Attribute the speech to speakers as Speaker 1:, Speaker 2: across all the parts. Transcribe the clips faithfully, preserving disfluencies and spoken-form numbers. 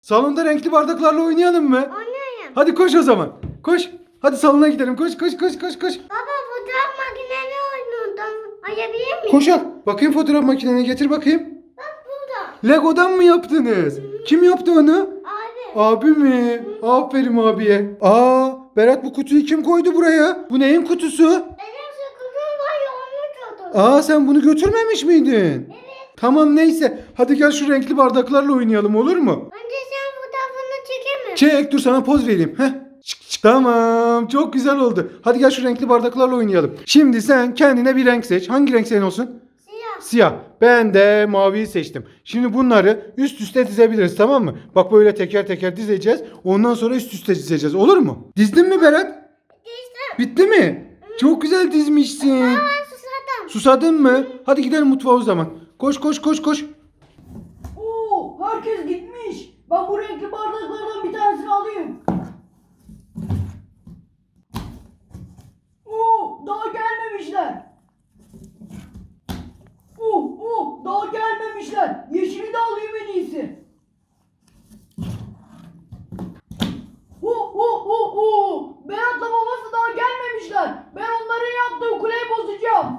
Speaker 1: Salonda renkli bardaklarla oynayalım mı?
Speaker 2: Oynayalım.
Speaker 1: Hadi koş o zaman. Koş. Hadi salona gidelim. Koş koş koş koş koş.
Speaker 2: Baba fotoğraf makineni oynuyordum. Ayabilir miyim?
Speaker 1: Koş al. Bakayım fotoğraf makineni getir bakayım.
Speaker 2: Bak burada.
Speaker 1: Lego'dan mı yaptınız? Kim yaptı onu?
Speaker 2: Abi.
Speaker 1: Abi mi? Aferin abiye. Aa, Berat bu kutuyu kim koydu buraya? Bu neyin kutusu?
Speaker 2: Benim sıkıntım var ya onu tuttum.
Speaker 1: Aa, sen bunu götürmemiş miydin?
Speaker 2: Evet.
Speaker 1: Tamam neyse. Hadi gel şu renkli bardaklarla oynayalım, olur mu?
Speaker 2: Önce sen fotoğrafını çekemem.
Speaker 1: Çek, dur sana poz vereyim. Heh. Çık, çık. Tamam, çok güzel oldu. Hadi gel şu renkli bardaklarla oynayalım. Şimdi sen kendine bir renk seç. Hangi renk senin olsun?
Speaker 2: Siyah.
Speaker 1: Siyah. Ben de maviyi seçtim. Şimdi bunları üst üste dizebiliriz, tamam mı? Bak böyle teker teker dizeceğiz. Ondan sonra üst üste dizeceğiz. Olur mu? Dizdin mi Berat?
Speaker 2: Dizdim.
Speaker 1: Bitti mi? Çok güzel dizmişsin.
Speaker 2: Ben susadım.
Speaker 1: Susadın mı? Hadi gidelim mutfağa o zaman. Koş koş koş koş.
Speaker 3: Oo, herkes gitmiş. Ben bu renkli bardaklardan bir tanesini alayım. Oo, daha gelmemişler. Oo, oo, daha gelmemişler. Yeşili de alayım en iyisi. Oo, oo, oo, oo. Berat'la babası daha gelmemişler. Ben onların yaptığı kuleyi bozacağım.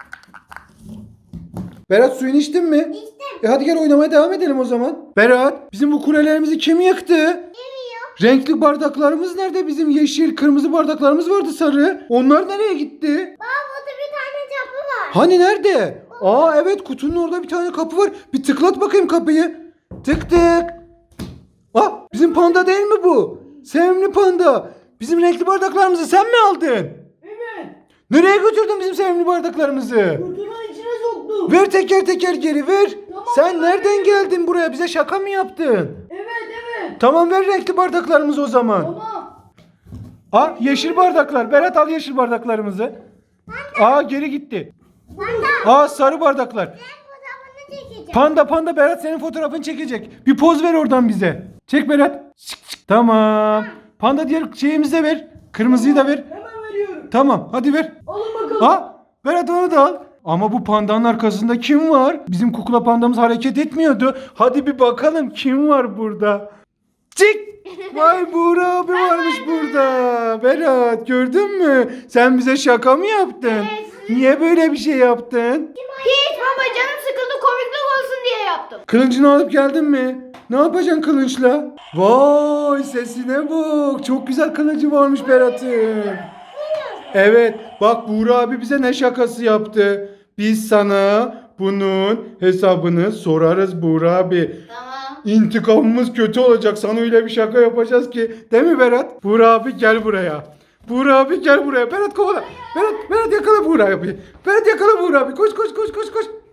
Speaker 1: Berat, suyunu içtin mi?
Speaker 2: İçtim.
Speaker 1: E hadi gel oynamaya devam edelim o zaman. Berat, bizim bu kulelerimizi kim yıktı?
Speaker 2: Bilmiyorum.
Speaker 1: Renkli bardaklarımız nerede? Bizim yeşil, kırmızı bardaklarımız vardı, sarı. Onlar nereye gitti?
Speaker 2: Baba burada bir tane kapı var.
Speaker 1: Hani nerede? Aa evet, kutunun orada bir tane kapı var. Bir tıklat bakayım kapıyı. Tık tık. Aa, bizim panda değil mi bu? Sevimli panda. Bizim renkli bardaklarımızı sen mi aldın?
Speaker 3: Evet.
Speaker 1: Nereye götürdün bizim sevimli bardaklarımızı?
Speaker 3: Kutunun içine soktum.
Speaker 1: Ver teker teker geri ver.
Speaker 3: Tamam,
Speaker 1: Sen
Speaker 3: ben
Speaker 1: nereden
Speaker 3: veriyorum.
Speaker 1: geldin buraya? Bize şaka mı yaptın?
Speaker 3: Evet, evet.
Speaker 1: Tamam, ver renkli bardaklarımızı o zaman.
Speaker 3: Tamam.
Speaker 1: Aa, yeşil bardaklar. Berat, al yeşil bardaklarımızı. Aa, geri gitti.
Speaker 2: Panda.
Speaker 1: Aa, sarı bardaklar.
Speaker 2: Ben fotoğrafını çekeceğim.
Speaker 1: Panda panda Berat senin fotoğrafını çekecek. Bir poz ver oradan bize. Çek Berat. Çık, çık. Tamam. Panda diğer şeyimizi de ver. Kırmızıyı da ver.
Speaker 3: Hemen veriyorum.
Speaker 1: Tamam, hadi ver.
Speaker 3: Alın bakalım.
Speaker 1: Aa, Berat onu da al. Ama bu pandanın arkasında kim var? Bizim kukla pandamız hareket etmiyordu. Hadi bir bakalım kim var burada. Çık. Vay, Buğra abi varmış burada. Berat, gördün mü? Sen bize şaka mı yaptın?
Speaker 2: Evet.
Speaker 1: Niye böyle bir şey yaptın?
Speaker 2: Hiç baba canım sıkıldı komiklik olsun diye yaptım.
Speaker 1: Kılıncını alıp geldin mi? Ne yapacaksın kılıçla? Vay, sesine bak. Çok güzel kılıcı varmış Berat'ın. Evet, bak Buğra abi bize ne şakası yaptı. Biz sana bunun hesabını sorarız Buğra abi.
Speaker 2: Tamam.
Speaker 1: İntikamımız kötü olacak. Sana öyle bir şaka yapacağız ki. Değil mi Berat? Buğra abi gel buraya. Buğra abi gel buraya. Berat kovala. Berat, Berat yakala Buğra abi. Berat yakala Buğra abi. Koş koş koş koş koş.